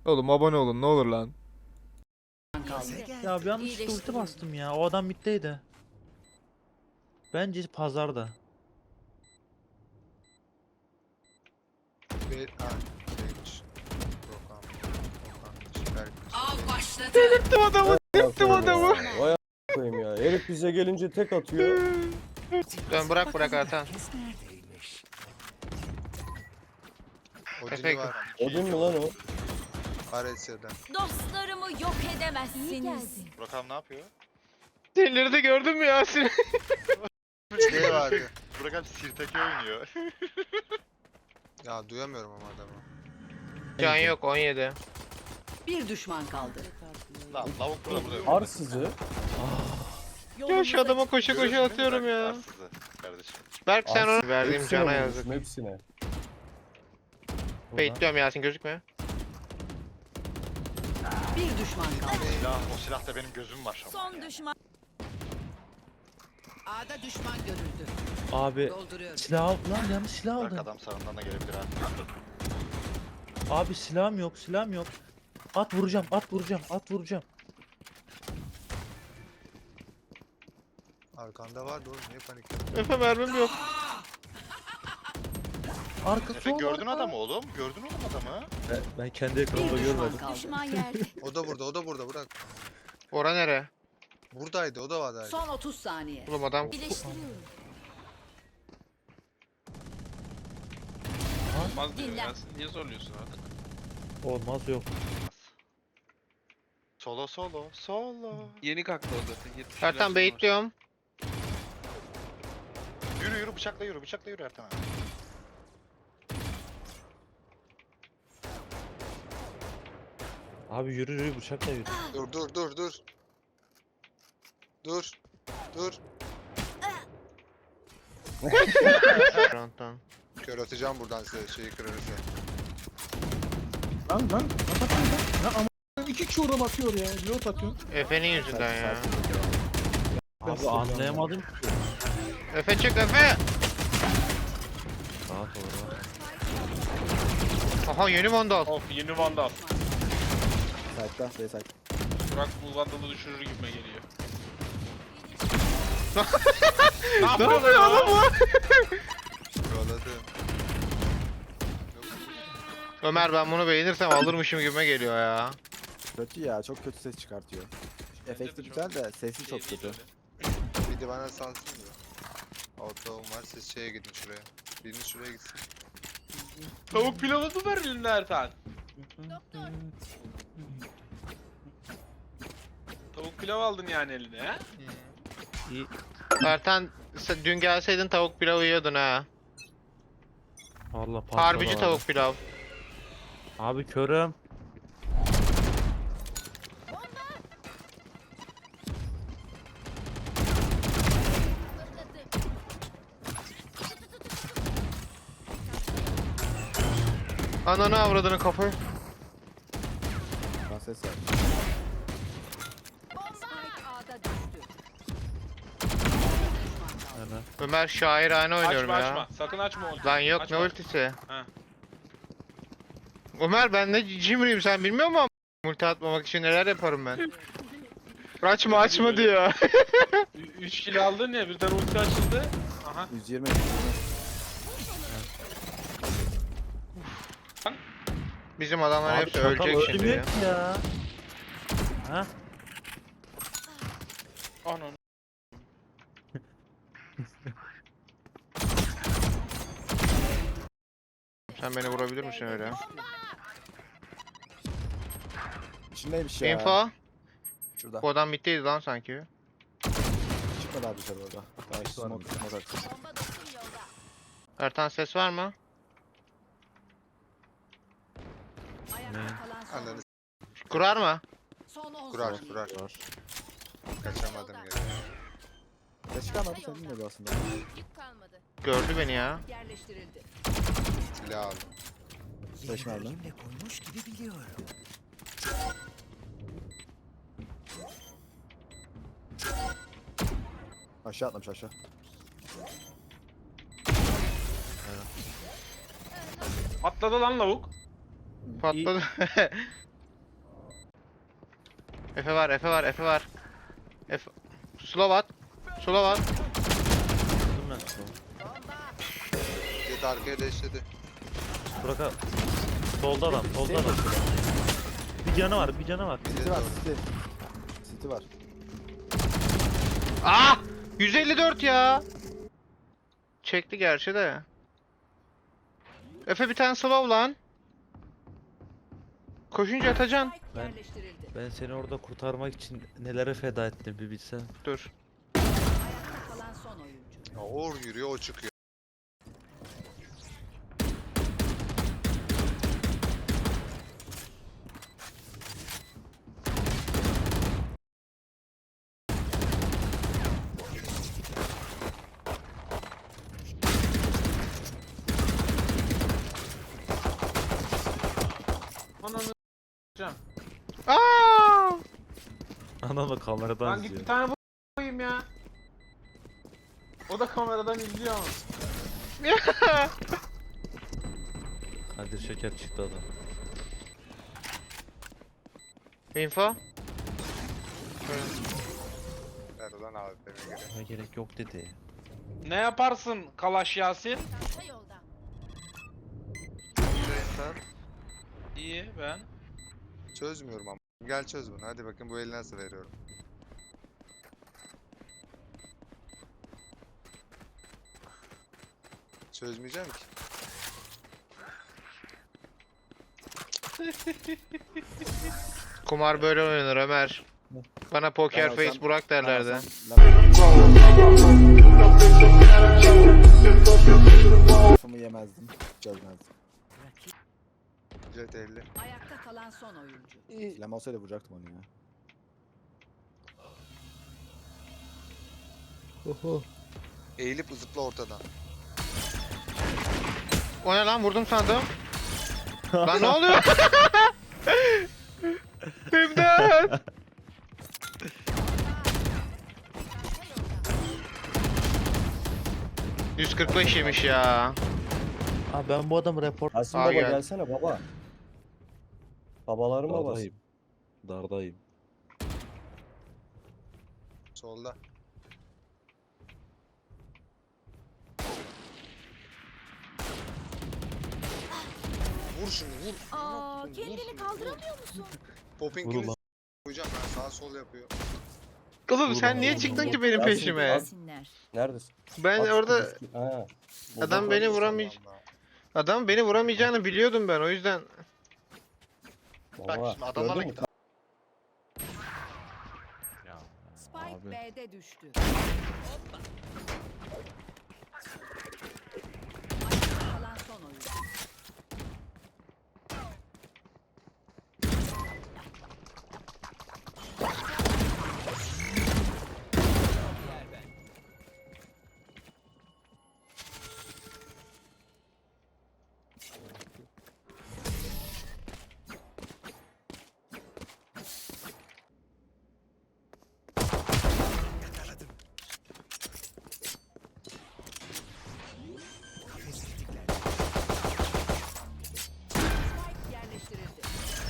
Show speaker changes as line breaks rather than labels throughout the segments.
Oğlum abone olun ne olur lan.
Ya bir yanlışlıkla ulti bastım ya. O adam middeydi. Bence pazarda.
Şeymiş. Okan.
Av başladı.
Delirttim adamı. Delirttim
Aferin
adamı.
ya. Vay a**ayım ya. Herif bize gelince tek atıyor.
Dön bırak Ertan.
Odin'i var.
Odin mi lan o?
Aresya'dan.
Dostlarımı yok edemezsiniz.
Burak abi ne yapıyor?
Delirdi gördün mü Yasin?
Şey vardı.
Burak abi Sirtaki oynuyor.
Ya duyamıyorum ama adamı.
Can yok 17.
Bir düşman kaldı.
Lan lavuk burada.
Arsızı.
Ya şu adama koşa koşa atıyorum ya.
Arsızı kardeşim.
Berk sen onu verdiğim
Hepsine
cana
vurmuşum,
yazık.
hepsine.
Bekliyorum Yasin gözükmüyor.
Bir düşman kaldı.
O silahta benim gözüm var ama.
Son düşman. A'da düşman görüldü.
Abi
Dolduruyorum.
silah aldım lan, yanlış silah
Burak
aldım.
adam sağından da gelebilir ha.
Abi silahım yok, silahım yok. At vuracağım, at vuracağım, at vuracağım.
Arkanda vardı oğlum niye panik?
Efe mermim yok.
Arka
Efe
sol.
gördün adamı oğlum. Gördün oğlum adamı.
Ben kendi
Bir
ekranımda
düşman
görmedim.
kaldı.
Düşman yerde.
O da burada, o da burada bırak.
Ora nere?
Buradaydı, o da vardı.
Son 30 saniye.
Oğlum adam
Birleştiriyorum.
Olmaz diyor
Dinlen.
ya. Sen niye zorluyorsun artık?
Olmaz yok.
Solo solo solo.
Yeni kalktı o zaten. 70
Ertan
yaşında var.
baitliyorum.
Yürü yürü bıçakla yürü bıçakla yürü Ertan abi.
Abi yürü yürü bıçakla yürü.
Dur dur dur dur. Dur. Dur.
Fronttan.
Kör atacağım buradan size şeyi kırarsa.
Lan kapatın lan. Lan ama 2 kişi orada bakıyor ya. Reload atıyor.
Efe'nin yüzünden ya.
Abi anlayamadım ki.
Efe çık Efe.
Rahat ol rahat.
Aha yeni vandal.
Of yeni vandal.
Site'da, B site.
Burak bu vandalı düşürür gibime geliyor.
Ne yapıyor oğlum bu?
Yoladı.
Ömer ben bunu beğenirsem alırmışım gibime geliyor ya.
Kötü ya, çok kötü ses çıkartıyor. Efekti güzel de sesi çok
Şey değil
kötü.
öyle.
Bir de bana sansın da. Ortağım var siz şeye gidin şuraya. Biriniz şuraya gitsin.
Tavuk pilavı mı ver eline Ertan? Tavuk pilav aldın yani eline ha?
İyi.
Ertan sen dün gelseydin tavuk pilavı yiyordun ha.
Allah patladı
Harbici
abi.
tavuk pilav.
Abi körüm.
Ananı avradını kafayı.
Lan ses var.
Spike A'da düştü.
Hemen.
Ömer şairane oynuyorum
Açma
ya.
açma. Sakın açma onu.
Lan yok
Açma.
ne ultisi.
Ha.
Ömer ben ne cimriyim sen bilmiyor musun? Multi atmamak için neler yaparım ben. Açma diyor.
3 kilo aldın ya birden ulti açıldı. Aha.
120.
Bizim adamlar
Abi
hepsi
çakal
ölecek şimdi ya.
ölmüyor ki ya. Ha?
Anan.
Sen beni vurabilir misin öyle?
İçindeymiş ya.
Info.
Şurada.
Bu adam bittiydi lan sanki.
Çıkmadı abi dışarı orada. Daha işte smoke atsın.
Bomba dostum yolda.
Ertan ses var mı?
Ayakta kalan son.
Ananı
Kurar mı?
Son 10
kurar
saniye.
kurar. Kaçamadım geri.
Ses çıkarmadı senin de aslında.
Yük kalmadı.
Gördü beni ya.
Yerleştirildi.
Silah aldım.
5 mermi. Aşağı atlamış aşağı.
Atladı lan lavuk.
Patladı. Efe var, Efe var, Efe var. Efe... Slow at. Slow at.
Dur lan.
Jet arkaya deşledi.
Burak abi. Solda adam, solda adam. Bir canı var, bir canı var.
City var City. City var.
Ah! 154 ya. Çekti gerçi de. Efe bir tane slow lan. Koşunca atacaksın.
Spike
Ben-
yerleştirildi.
Ben seni orada kurtarmak için nelere feda ettim bir bilsen.
Dur.
Ayakta kalan son oyuncu.
Ya Uğur yürüyor o çıkıyor.
Ananı s**eceğim.
Aa!
Anam da kameradan
Lan git
izliyor.
bir tane koyayım ya. O da kameradan izliyor ama.
Kadir Şeker çıktı adam.
Info.
Ver ulan abi beni göre.
Buna gerek yok dedi.
Ne yaparsın Kalaş Yasin?
Çanta yolda.
Sen
İyi ben.
çözmüyorum ama. Gel çöz bunu. Hadi bakın bu eli nasıl veriyorum. Çözmeyeceğim ki.
Kumar böyle oynanır Ömer. Bana poker
Ben
face
olsam-
Burak derlerdi.
Lafımı yemezdim. Çözmezdim.
Jet 50.
Ayakta kalan son oyuncu.
Silahım olsaydı vuracaktım onu ya.
Eğilip zıpla ortadan.
O ne lan vurdum sandım. Lan ne oluyor? İmdat! 145 yemiş ya.
Abi ben bu adamı report...
Yasin
Aa,
baba
gel.
gelsene baba. Babaların babası.
Dardayım. Dardayım.
Solda. Vur şunu vur.
Aa,
Vur,
kendini
vur.
kaldıramıyor musun?
Popping'ini
ulan.
koyacağım ben sağ sol yapıyor.
Oğlum
Vur
sen
lan,
niye
vur
çıktın
lan.
ki benim
Yasin,
peşime?
Gelsinler.
Neredesin?
Ben
At
orada
şu diski- Ha.
adam beni vuramayacak. Adam beni vuramayacağını biliyordum ben o yüzden.
Bak
Baba,
şimdi adamlarla
gördün mü?
git.
Spike
Abi.
B'de düştü. Ayakta kalan son oyuncu. Spike yerleştirildi.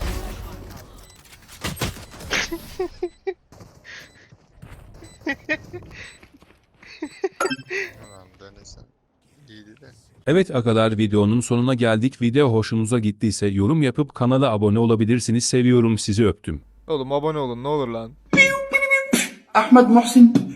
Tamam denesen. İyiydi de.
Evet arkadaşlar videonun sonuna geldik. Video hoşunuza gittiyse yorum yapıp kanala abone olabilirsiniz. Seviyorum sizi öptüm.
Oğlum abone olun ne olur lan.
Ahmed Muhsin